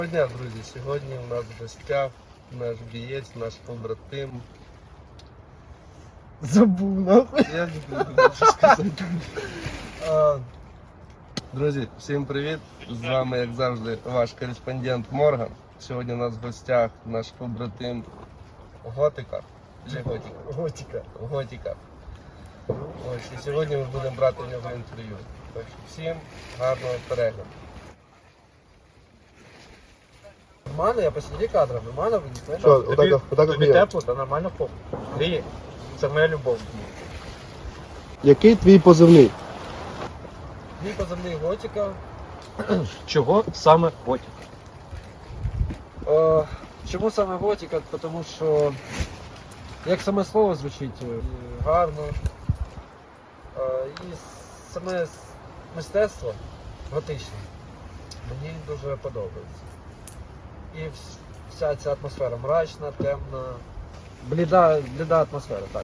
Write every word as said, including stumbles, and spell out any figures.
Доброго дня, друзі! Сьогодні у нас в гостях наш бієць, наш побратим. Забув, нахуй. Я не буду що сказати. А, Друзі, всім привіт! З вами, як завжди, ваш кореспондент Морган. Сьогодні у нас в гостях наш побратим Готика. Чи Готика? Готика. Готика. Ось, і сьогодні ми будемо брати в нього інтерв'ю. Так що всім гарного перегляду. Нормально, я посреди кадра, нормально виніс. Що, Тобі, отак, отак тобі як тепло, та нормально поп. Гріє. Це моя любов. Який твій позивний? Мій позивний Готика. Чого саме Готік? Е, чому саме Готика? Тому що, як саме слово звучить, е, гарно. Е, і саме мистецтво готичне мені дуже подобається. І вс- вся ця атмосфера мрачна, темна, бліда, бліда атмосфера, так.